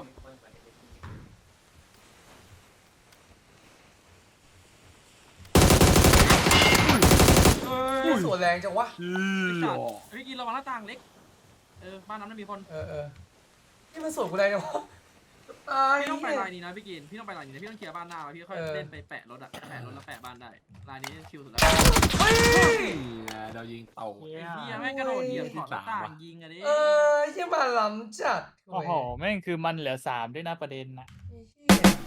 Speaker 1: อุ้ยสวนแรงจังวะ
Speaker 3: อื
Speaker 2: ไอ้
Speaker 3: อ
Speaker 2: สัตว์พี่กินระวังหน้าต่างเล็ก เออ บ้านนั้นไม่มีคน
Speaker 1: เออเออนี่มันสวนกูแรงจังวะตาย
Speaker 2: พี่ต้องไป
Speaker 1: เหี้ย
Speaker 2: ลายนี้นะพี่กิน พี่ต้องไปลายนี้นะพี่ต้องเคลียร์บ้านหน้าแล้วพี่ค่อย
Speaker 1: เออ
Speaker 2: เล่นไปแปะรถอะแปะรถแล้วแปะบ้านได้ลายนี้ชิวสุดแล้ว
Speaker 1: เฮ้ย
Speaker 3: เรายิงเต่า
Speaker 2: ไอ้เหี้ยแม่งกระโดดเหยียบขอบหน้าต่างยิงอะดิ
Speaker 1: เออเฮียมาล้ำจัด
Speaker 4: โอ้โหแม่งคือมันเหลือสามด้วยนะประเด็นนะ
Speaker 1: ไอ้เหี้ย